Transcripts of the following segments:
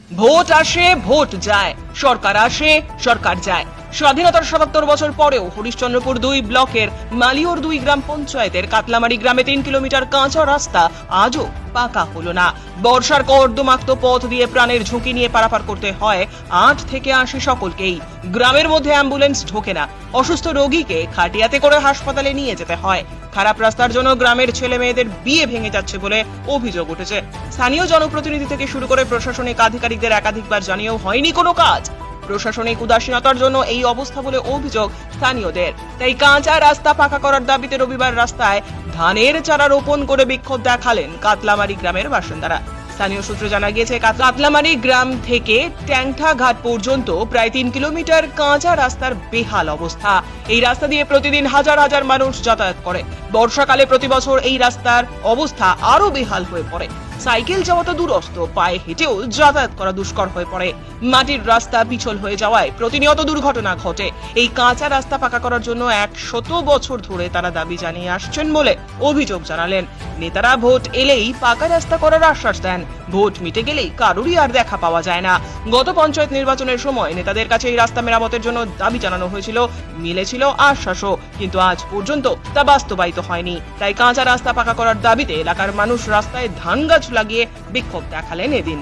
Vote আসে vote যায়, সরকার আসে সরকার যায়। স্বাধীনতার ৭৭ বছর পরেও হরিশ্চন্দ্রপুর ২ ব্লকের মালিয়র ২ গ্রাম পঞ্চায়েতের কাতলামারি গ্রামে ৩ কিলোমিটার কাঁচা রাস্তা আজও পাকা হলো না। বর্ষার কর্দমাক্ত পথ দিয়ে প্রাণের ঝুঁকি নিয়ে পারাপার করতে হয় ৮ থেকে ৮০ সকলকেই। গ্রামের মধ্যে অ্যাম্বুলেন্স ঢোকে না, অসুস্থ রোগীকে খাটিয়াতে করে হাসপাতালে নিয়ে যেতে হয়। খারাপ রাস্তার জন্য গ্রামের ছেলে মেয়েদের বিয়ে ভেঙে যাচ্ছে বলে অভিযোগ উঠেছে। স্থানীয় জনপ্রতিনিধি থেকে শুরু করে প্রশাসনিক আধিকারিকদের একাধিকবার জানিয়েও হয়নি কোনো কাজ। প্রশাসনিক উদাসীনতার জন্য এই অবস্থা বলে অভিযোগ স্থানীয়দের। তাই কাঁচা রাস্তা পাকা করার দাবিতে রবিবার রাস্তায় ধানের চারা রোপণ করে বিক্ষোভ দেখালেন কাতলামারি গ্রামের বাসিন্দারা। স্থানীয় সূত্রে জানা গিয়েছে, কাতলামারি গ্রাম থেকে ট্যাংঠা ঘাট পর্যন্ত প্রায় ৩ কিলোমিটার কাঁচা রাস্তার বেহাল অবস্থা। এই রাস্তা দিয়ে প্রতিদিন হাজার হাজার মানুষ যাতায়াত করে। বর্ষাকালে প্রতি বছর এই রাস্তার অবস্থা আরো বেহাল হয়ে পড়ে। সাইকেল যাওয়া তো দূরস্থ, পায়ে হেঁটেও যাতায়াত করা দুষ্কর হয়ে পড়ে। মাটির রাস্তা পিছল হয়ে যাওয়ায় প্রতিনিয়ত দুর্ঘটনা ঘটে। এই কাঁচা রাস্তা পাকা করার জন্য ১০০ বছর ধরে তারা দাবি জানিয়ে আসছেন বলে অভিযোগ জানালেন। নেতারা ভোট এলেই পাকা রাস্তা করার আশ্বাস দেন, ভোট মিটে গেলেই কারোরই আর দেখা পাওয়া যায় না। গত পঞ্চায়েত নির্বাচনের সময় নেতাদের কাছে এই রাস্তা মেরামতের জন্য দাবি জানানো হয়েছিল, মিলেছিল আশ্বাসও, কিন্তু আজ পর্যন্ত তা বাস্তবায়িত হয়নি। তাই কাঁচা রাস্তা পাকা করার দাবিতে এলাকার মানুষ রাস্তায় ধান গাছ লাগিয়ে বিক্ষোভ দেখালেন এদিন।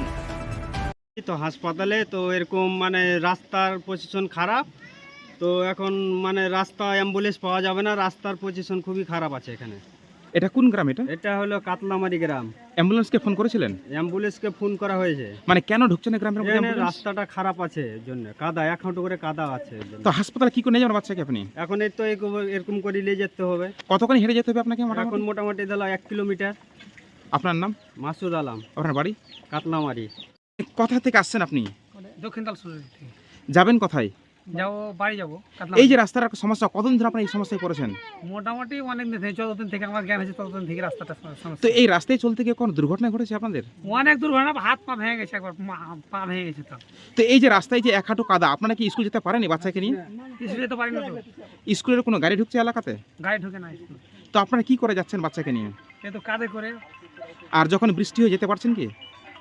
তো হাসপাতালে তো এরকম মানে রাস্তার পজিশন খারাপ, তো এখন মানে রাস্তা অ্যাম্বুলেন্স পাওয়া যাবে না, রাস্তার পজিশন খুবই খারাপ আছে এখানে। এটা কোন গ্রাম? এটা হলো কাতলামারি গ্রাম। অ্যাম্বুলেন্সকে ফোন করেছিলেন? অ্যাম্বুলেন্সকে ফোন করা হয়েছে। মানে কেন ঢুকছে না গ্রামের মধ্যে এখানে অ্যাম্বুলেন্স? রাস্তাটা খারাপ আছে এর জন্য, কাদা ১ হাঁটু করে কাদা আছে এর জন্য। তো হাসপাতালে কি করে নিয়ে যাবেন বাচ্চাকে আপনি? এখন এই তো এরকম করে নিয়ে যেতে হবে। কতক্ষণ হেঁটে যেতে হবে আপনাকে? এখন মোটামুটি দিল ১ কিলোমিটার। আপনার নাম? মাসুদ আলম, আপনার বাড়ি কাতলামারি। কোথা থেকে আসছেন আপনি? দক্ষিণ তালসুরি থেকে যাবেন কোথায়? যাবো, বাড়ি যাবো। এই যে রাস্তার সমস্যা, কতদিন ধরে আপনার এই সমস্যায় পড়েছেন? মোটামুটি অনেক দিন থেকে, 14 দিন থেকে আমার জ্ঞান আছে, ততদিন থেকে রাস্তাটা তো সমস্যা। এই রাস্তায় চলতে গিয়ে কোনো দুর্ঘটনা ঘটেছে আপনাদের? অনেক দুর্ঘটনা, হাত পা ভেঙে গেছে, একবার পা ভেঙে গেছে। তো তো এই যে রাস্তায় যে ১ হাঁটু কাদা, আপনারা কি স্কুল যেতে পারেনি বাচ্চাকে নিয়ে? কিছু যেতে পারি না, তো স্কুলের কোনো গাড়ি ঢুকছে এলাকাতে? গাড়ি ঢুকে না স্কুল। তো আপনারা কি করে যাচ্ছেন বাচ্চাকে নিয়ে? এ তো কাঁধে করে, আর যখন বৃষ্টি হয়ে যেতে পারছেন কি?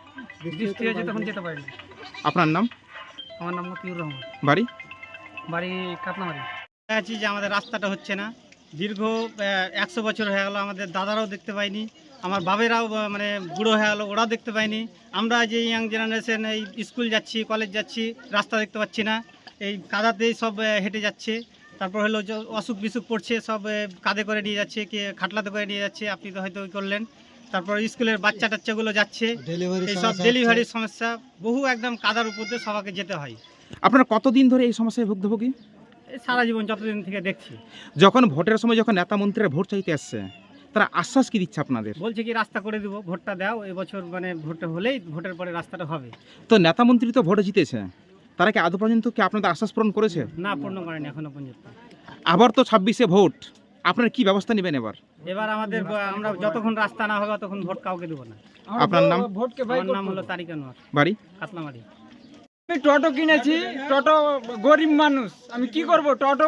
বৃষ্টি হয়েছে তখন যেতে পারি না। আপনার নাম? আমার নাম মতিউর রহমান, বাড়ি? বাড়ি কাতলামারি। আছি যে আমাদের রাস্তাটা হচ্ছে না, দীর্ঘ ১০০ বছর হয়ে গেল, আমাদের দাদারাও দেখতে পাইনি, আমার বাবেরাও মানে বুড়ো হয়ে গেলো, ওরাও দেখতে পাইনি। আমরা যে ইয়াং জেনারেশন এই স্কুল যাচ্ছি, কলেজ যাচ্ছি, রাস্তা দেখতে পাচ্ছি না, এই কাদাতেই সব হেঁটে যাচ্ছে। তারপর হলো যে অসুখ বিসুখ পড়ছে, সব কাঁধে করে নিয়ে যাচ্ছে, কি খাটলাতে করে নিয়ে যাচ্ছে, আপনি তো হয়তো করলেন। তারপর স্কুলের বাচ্চা টাচ্চাগুলো যাচ্ছে, এই সব ডেলিভারির সমস্যা, বহু একদম কাদার উপর দিয়ে সবাইকে যেতে হয়। আপনারা কতদিন ধরে এই সমস্যায় ভুক্তভোগী? এই সারা জীবন যতদিন থেকে দেখছি। যখন ভোটের সময় যখন নেতা মন্ত্রীরা ভোট চাইতে আসছে, তারা আশ্বাস কি দিচ্ছে আপনাদের? বলছে কি রাস্তা করে দিব, ভোটটা দাও, এবছর মানে ভোটটা হলেই ভোটের পরে রাস্তাটা হবে। তো নেতা মন্ত্রী তো ভোটে জিতেছে, তারা কি আদৌ পর্যন্ত কি আপনাদের আশ্বাস পূরণ করেছে? না, পূর্ণ করেনি এখনো পর্যন্ত। আবার তো 26-এ ভোট, আপনারা কি ব্যবস্থা নেবেন এবার? এবার আমাদের আমরা যতক্ষণ রাস্তা না হবে ততক্ষণ ভোট কাউকে দেবো না। আপনার নাম? আমার নাম হলো তারিক আনোয়ার, বাড়ি? কাতলামারি। আমি টোটো কিনেছি, টোটো গরিব মানুষ, আমি কি করব? টোটো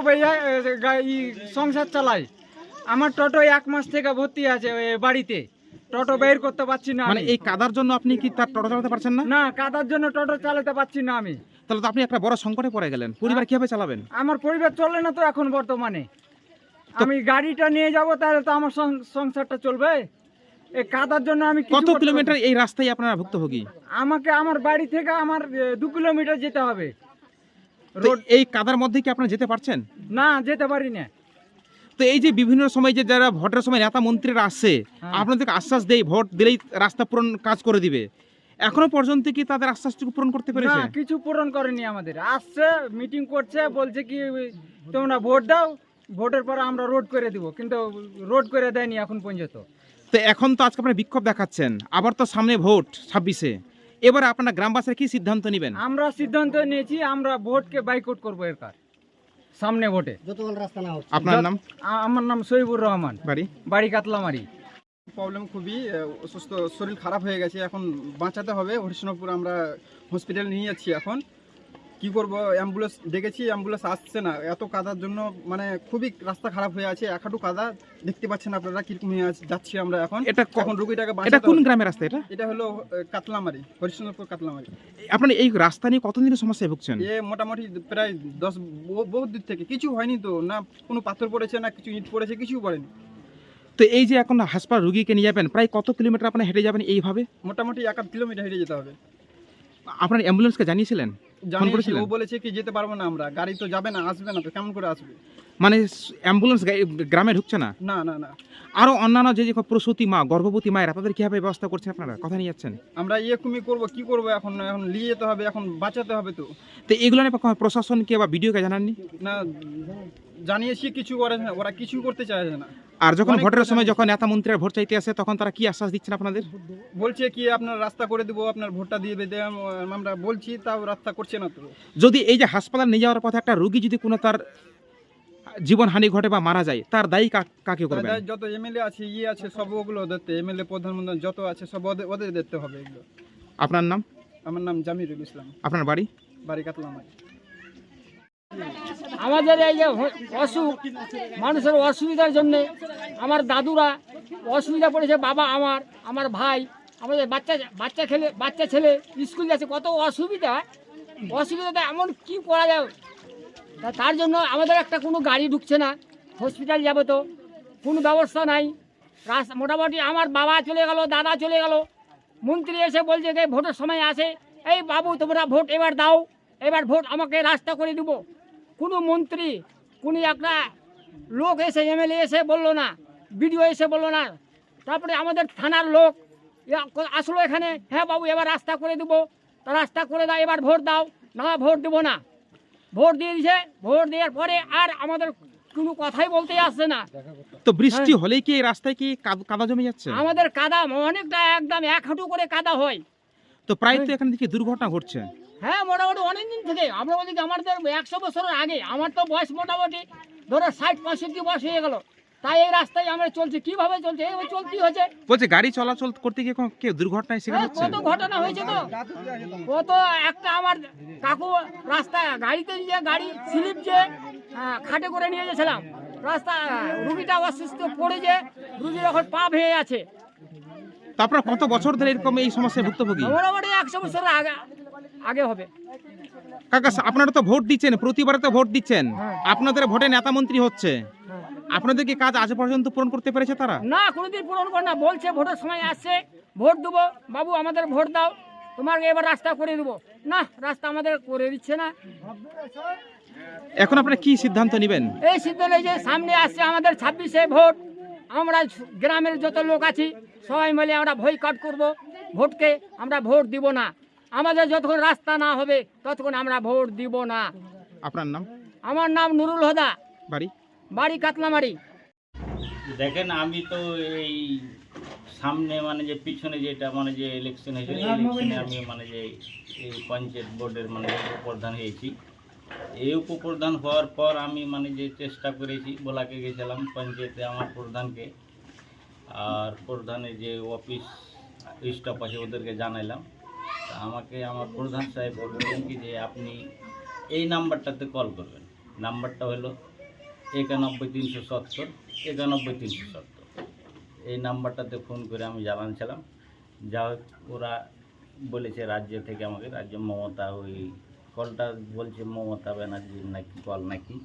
সংসার চালাই। আমার টোটো 1 মাস থেকে ভর্তি আছে বাড়িতে, টোটো বের করতে পারছি না। মানে এই কাদার জন্য আপনি কি তার টোটো চালাতে পারছেন না? না, কাদার জন্য টোটো চালাতে পারছি না আমি। তাহলে তো আপনি একটা বড় সংকটে পড়ে গেলেন, পরিবার কিভাবে চালাবেন? আমার পরিবার চলে না তো এখন বর্তমানে। আমি গাড়িটা নিয়ে যাব, তাহলে তো আমার সংসারটা চলবে। এই কাদার জন্য আমি কত কিলোমিটার এই রাস্তায় আপনারা ভুক্তভোগী? আমাকে আমার বাড়ি থেকে আমার 2 কিলোমিটার যেতে হবে। তো এই কাদার মধ্যে কি আপনারা যেতে পারছেন? না, যেতে পারি না। তো এই যে বিভিন্ন সময় যে যারা ভোটের সময় নেতা মন্ত্রীরা আসছে, আপনাদেরকে আশ্বাস দেয় ভোট দিলেই রাস্তা পূরণ কাজ করে দিবে, এখনো পর্যন্ত কি তাদের আশ্বাসটুকু পূরণ করতে পেরেছে? না, কিছু পূরণ করেনি আমাদের। আসছে, মিটিং করছে, বলছে কি তোমরা ভোট দাও, ভোটের পর আমরা রোড করে দিব, কিন্তু রোড করে দেয়নি এখন পর্যন্ত। তো এখন তো আজকে আপনারা বিক্ষোভ দেখাচ্ছেন, আবার তো সামনে ভোট 26-এ, এবারে আপনারা গ্রামবাসীরা কি সিদ্ধান্ত নেবেন? আমরা সিদ্ধান্ত নিয়েছি, আমরা ভোটকে বাইকআউট করবো এর কার সামনে ভোটে। আপনার নাম? আমার নাম সহিবুর রহমান, বাড়ি? বাড়ি কাতলামারি। প্রবলেম খুবই অসুস্থ, শরীর খারাপ হয়ে গেছে, এখন বাঁচাতে হবে। হরিশ্চন্দ্রপুর আমরা হসপিটালে নিয়ে যাচ্ছি এখন, কি করব, অ্যাম্বুলেন্স ডেকেছি, অ্যাম্বুলেন্স আসছে না। এত কাদার জন্য মানে খুবই রাস্তা খারাপ হয়ে আছে, এক হাঁটু কাদা, দেখতে পাচ্ছেন আপনারা কিরকম হয়ে যাচ্ছি আমরা এখন। এটা এখন রুগীটাকে এটা বাঁচাতে কোন হবে। গ্রামের রাস্তা এটা? এটা হলো কাতলামারি, হরিশ্চন্দ্রপুর কাতলামারি। আপনার এই রাস্তা নিয়ে কতদিনের সমস্যায় ভুগছেন? এ মোটামুটি প্রায় 10 বহু দূর থেকে, কিছু হয়নি তো, না কোনো পাথর পড়েছে, না কিছু ইট পড়েছে, কিছু পড়েনি। তো এই যে এখন হাসপাতাল রুগীকে নিয়ে যাবেন, প্রায় কত কিলোমিটার আপনি হেঁটে যাবেন এইভাবে? মোটামুটি 1.5 কিলোমিটার হেঁটে যেতে হবে। আপনার অ্যাম্বুলেন্সকে জানিয়েছিলেন? ফোন জানিয়েছি, করেছিলেন? ও বলেছে কি যেতে পারবো না আমরা, গাড়ি তো যাবে না, আসবে না তো, কেমন করে আসবে? মানে অ্যাম্বুলেন্স গ্রামে ঢুকছে না? না না না, আরো অন্যান্য যে যে প্রসূতি মা, গর্ভবতী মায়েরা, তাদের কিভাবে ব্যবস্থা করছেন আপনারা, কথা নিয়ে যাচ্ছেন? আমরা এরকমই করবো, কি করবো এখন, এখন নিয়ে যেতে হবে, এখন বাঁচাতে হবে তো। তো এগুলো নিয়ে প্রশাসনকে বা বিডিওকে জানাননি? না জানিয়েছি, কিছু করে না, ওরা কিছু করতে চাইছে না। আর যখন অনেক ভোটের কথা সময় জানিয়েছি। যখন নেতা মন্ত্রীরা ভোট চাইতে আসে তখন তারা কি আশ্বাস দিচ্ছেন আপনাদের? বলছে কি আপনার রাস্তা করে দেবো, আপনার ভোটটা দিয়ে বেঁধে, আমরা বলছি, তাও রাস্তা করছে না তো। যদি এই যে হাসপাতাল নিয়ে যাওয়ার পথে একটা রোগী যদি কোনো তার জীবনহানি ঘটে বা মারা যায়, তার দায়ী কাকে করবেন? তাই যত এমএলএ আছে, আছে, সব ওগুলো দেখতে, এমএলএ প্রধানমন্ত্রী যত আছে সব ওদের দেখতে হবে এগুলো। আপনার নাম? আমার নাম জামিরুল ইসলাম, আপনার বাড়ি? বাড়ি কাতলামারি। আমাদের এই যে অসুখ, মানুষের অসুবিধার জন্যে আমার দাদুরা অসুবিধা পড়েছে, বাবা আমার ভাই, আমাদের বাচ্চা ছেলে স্কুল যাচ্ছে, কত অসুবিধাতে এমন কি করা যায়। তার জন্য আমাদের একটা কোনো গাড়ি ঢুকছে না, হসপিটাল যাবে তো কোনো ব্যবস্থা নাই। মোটামুটি আমার বাবা চলে গেল, দাদা চলে গেল, মন্ত্রী এসে বলছে যে ভোটের সময় আসে, এই বাবু তোমরা ভোট এবার দাও, এবার ভোট আমাকে রাস্তা করে দিব। কোনো মন্ত্রী, কোনো একটা লোক এসে, এমএলএ এসে বললো না, বিডিও এসে বললো না। তারপরে আমাদের থানার লোক আসলো এখানে, হ্যাঁ বাবু এবার রাস্তা করে দেবো, তা রাস্তা করে দাও, এবার ভোট দাও। না, ভোট দেবো না। ভোট দিয়ে দিয়েছে, ভোট দেওয়ার পরে আর আমাদের কোনো কথাই বলতে আসছে না। তো বৃষ্টি হলেই কি এই রাস্তায় কি কাদা জমে যাচ্ছে? আমাদের কাদা অনেকটা, একদম 1 হাঁটু করে কাদা হয়। তো প্রায় তো এখান থেকে দুর্ঘটনা ঘটছে। হ্যাঁ, মোটামুটি অনেক দিন থেকে আমরা বলি আমাদের 100 বছরের আগে, আমার তো বয়স মোটামুটি ধরো 60-65 বয়স হয়ে গেল, তাই এই রাস্তায় আমরা চলছি। কিভাবে চলছে? এইভাবে চলতেই হচ্ছে। বলছে গাড়ি চলাচল করতে গিয়ে কেউ দুর্ঘটনায় শিকার হ্যাঁ, হচ্ছে? কত ঘটনা হয়েছে তো, কত একটা আমার কাকু রাস্তায় গাড়িতে যে গাড়ি স্লিপ যে খাটে করে নিয়ে গেছিলাম, রাস্তা রুগীটা অসুস্থ পড়ে, যে রুগীর এখন পা ভেঙে আছে। তো আপনারা কত বছর ধরে এরকম এই সমস্যায় ভুক্তভোগী? মোটামুটি 100 বছরের আগে হবে। কাকা, আপনারা তো ভোট দিচ্ছেন, প্রতিবারে তো ভোট দিচ্ছেন, আপনাদের ভোটে নেতা মন্ত্রী হচ্ছে, আপনাদের কি কাজ আজ পর্যন্ত পূরণ করতে পেরেছে তারা? না, কোনোদিন পূরণ করে না। বলছে ভোটের সময় আসছে, ভোট দেবো, বাবু আমাদের ভোট দাও, তোমাকে এবার রাস্তা করে দেবো। না, রাস্তা আমাদের করে দিচ্ছে না। এখন আপনারা কি সিদ্ধান্ত নেবেন? এই সিদ্ধান্ত যে সামনে আসছে আমাদের 26-এ ভোট, আমরা গ্রামের যত লোক আছি সবাই মিলে আমরা বয়কট করব, ভোটকে আমরা ভোট দিব না। আমাদের যতক্ষণ রাস্তা না হবে ততক্ষণ আমরা ভোট দিব না। আপনার নাম? আমার নাম নুরুল হুদা, বাড়ি কাতলামারি। দেখেন, আমি তো এই সামনে মানে যে পিছনে যেটা মানে যে ইলেকশন হয়েছিল, এই ইলেকশনে আমি মানে যে এই পঞ্চায়েত বোর্ডের মানে উপপ্রধান হয়েছি। এই উপপ্রধান হওয়ার পর আমি মানে যে চেষ্টা করেছি, বলাকে গেছিলাম পঞ্চায়েতে আমার প্রধানকে, আর প্রধানের যে অফিস স্টাফ আছে ওদেরকে জানাইলাম। তা আমাকে আমার প্রধান সাহেব বললেন কি যে আপনি এই নাম্বারটাতে কল করবেন। নাম্বারটা হলো 91370 91370। এই নাম্বারটাতে ফোন করে আমি জানাচ্ছিলাম। যা হোক, ওরা বলেছে রাজ্য থেকে আমাকে, রাজ্য মমতা, ওই কলটা বলছে মমতা ব্যানার্জির নাকি কল নাকি।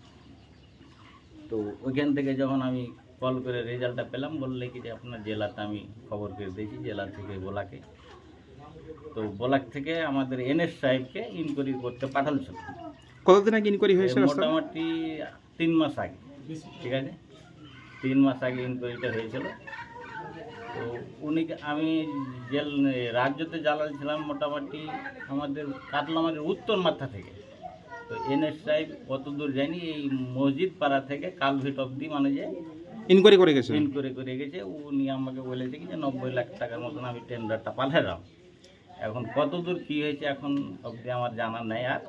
তো ওইখান থেকে যখন আমি কল করে রেজাল্টটা পেলাম, বললে কি যে আপনার জেলাতে আমি খবর করে দিয়েছি, জেলা থেকে বোলাকে। তো বোলাক থেকে আমাদের এনএস সাহেবকে ইনকোয়ারি করতে পাঠালছিল। কতদিন আগে ইনকোয়ারি হয়েছে? মোটামুটি 3 মাস আগে, ঠিক আছে, 3 মাস আগে ইনকোয়ারিটা হয়েছিল। তো উনিকে আমি রাজ্যতে জ্বালাচ্ছিলাম মোটামুটি আমাদের কাতলামারির উত্তর মাথা থেকে। তো এনএস সাহেব কত দূর যায়নি, এই মসজিদ পাড়া থেকে কালভিট অব্দি মানে যে ইনকোয়ারি করে গেছে। উনি আমাকে বলেছে কি যে 90 লাখ টাকার মতন আমি টেন্ডারটা পাঠালাম। এখন কত দূর কী হয়েছে এখন অবধি আমার জানা নেই। আর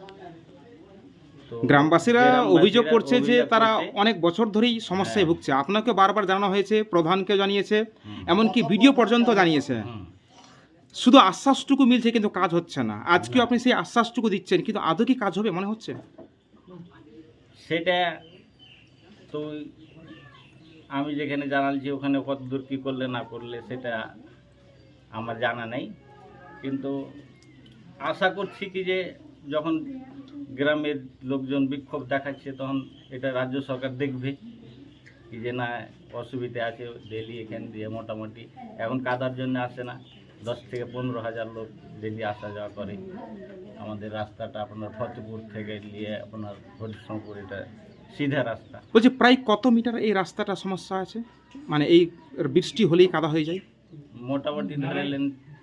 তো গ্রামবাসীরা অভিযোগ করছে যে তারা অনেক বছর ধরেই সমস্যায় ভুগছে। আপনাকে বারবার জানানো হয়েছে, প্রধানকে জানিয়েছে, এমনকি ভিডিও পর্যন্ত জানিয়েছে। শুধু আশ্বাসটুকু মিলছে কিন্তু কাজ হচ্ছে না। আজকেও আপনি সেই আশ্বাসটুকু দিচ্ছেন, কিন্তু আদৌ কি কাজ হবে মনে হচ্ছে? সেটা তো আমি যেখানে জানালছি ওখানে কত দূর কী করলে না করলে সেটা আমার জানা নেই, কিন্তু আশা করছি কি যে যখন গ্রামের লোকজন বিক্ষোভ দেখাচ্ছে তখন এটা রাজ্য সরকার দেখবে কি যে না অসুবিধা আছে, ডেলি এখান দিয়ে মোটামুটি এখন কাদার জন্য আসে না, 10 থেকে 15,000 লোক ডেলি আসা যাওয়া করে। আমাদের রাস্তাটা আপনার ফতেপুর থেকে নিয়ে আপনার হরিশঙ্কর, এটা সিধা রাস্তা। বলছি প্রায় কত মিটার এই রাস্তাটা সমস্যা আছে, মানে এই বৃষ্টি হলেই কাদা হয়ে যায়? মোটামুটি ধরে নেন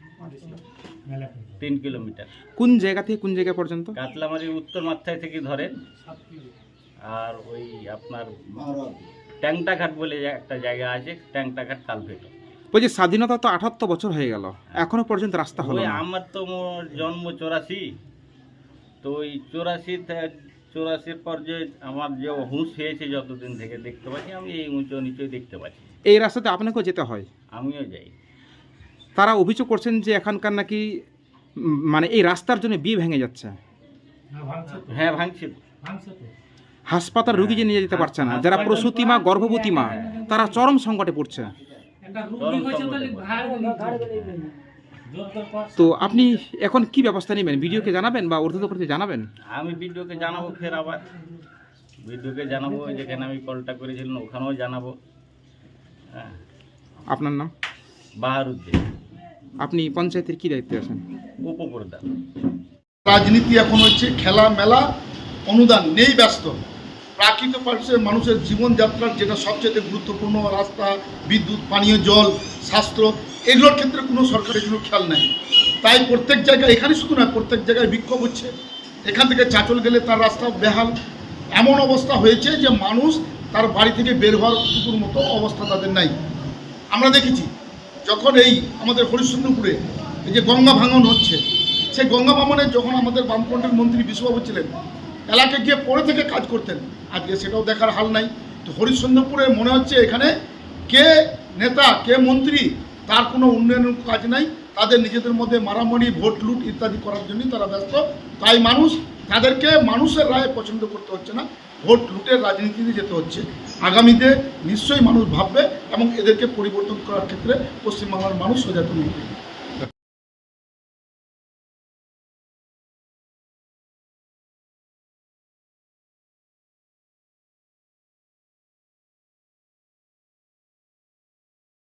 3 কিলোমিটার। কোন জায়গা থেকে কোন জায়গা পর্যন্ত? কাতলামারির উত্তর মাথায় থেকে ধরেন, আর ওই আপনার ট্যাংটাঘাট বলে একটা জায়গা আছে, ট্যাংটাঘাট কালভেট। বলছি স্বাধীনতা তো 78 বছর হয়ে গেল, এখনো পর্যন্ত রাস্তা হলো ওই না। আমার তো জন্ম 84, তো ওই 84 পর যে আমার যে হুঁশ হয়েছে যতদিন থেকে দেখতে পাচ্ছি, আমি এই উঁচু নিচুই দেখতে পাচ্ছি। এই রাস্তাতে আপনাকেও যেতে হয়? আমিও যাই। তারা অভিযোগ করছেন যে এখানকার নাকি মানে এই রাস্তার জন্য বিয়ে ভেঙে যাচ্ছে। হ্যাঁ, ভাঙছে তো। হাসপাতাল রুগী যে নিয়ে যেতে পারছে না, যারা প্রসূতি মা, গর্ভবতী মা, তারা চরম সংকটে পড়ছে। চরম সংকটে পড়ে। তো আপনি এখন কি ব্যবস্থা নেবেন? ভিডিওকে জানাবেন বা ঊর্ধ্বতনকে জানাবেন? আমি ভিডিওকে জানাবো, ফের আবার ভিডিওকে জানাবো, যেখানে আমি কলটা করেছিলাম ওখানেও জানাবো। হ্যাঁ। আপনার নাম? বাহারুদ্দিন, আপনি পঞ্চায়েতের কি দায়িত্বে আছেন? উপপ্রধান। রাজনীতি এখন হচ্ছে খেলা মেলা, অনুদান নেই, ব্যস্ত। প্রাকৃতিক মানুষের জীবনযাত্রার যেটা সবচেয়ে গুরুত্বপূর্ণ, রাস্তা, বিদ্যুৎ, পানীয় জল, স্বাস্থ্য, এগুলোর ক্ষেত্রে কোনো সরকারের কোনো খেয়াল নাই। তাই প্রত্যেক জায়গায়, এখানে শুধু নয়, প্রত্যেক জায়গায় বিক্ষোভ হচ্ছে। এখান থেকে চাঁচল গেলে তার রাস্তা বেহাল, এমন অবস্থা হয়েছে যে মানুষ তার বাড়ি থেকে বের হওয়ার টুকুর মতো অবস্থা তাদের নাই। আমরা দেখেছি যখন এই আমাদের হরিশ্চন্দ্রপুরে এই যে গঙ্গা ভাঙন হচ্ছে, সেই গঙ্গা ভাঙনে যখন আমাদের বামফ্রন্টের মন্ত্রী বিশ্ববাবু ছিলেন, এলাকায় গিয়ে পরে থেকে কাজ করতেন, আজকে সেটাও দেখার হাল নাই। তো হরিশ্চন্দ্রপুরে মনে হচ্ছে এখানে কে নেতা কে মন্ত্রী তার কোনো উন্নয়নের কাজ নাই, তাদের নিজেদের মধ্যে মারামারি, ভোট লুট ইত্যাদি করার জন্যই তারা ব্যস্ত। তাই মানুষ তাদেরকে মানুষের রায় পছন্দ করতে হচ্ছে না, ভোট লুটের রাজনীতিতে যেতে হচ্ছে। আগামীতে নিশ্চয়ই মানুষ ভাববে এবং এদেরকে পরিবর্তন করার ক্ষেত্রে পশ্চিমবাংলার মানুষ সচেতন হবে।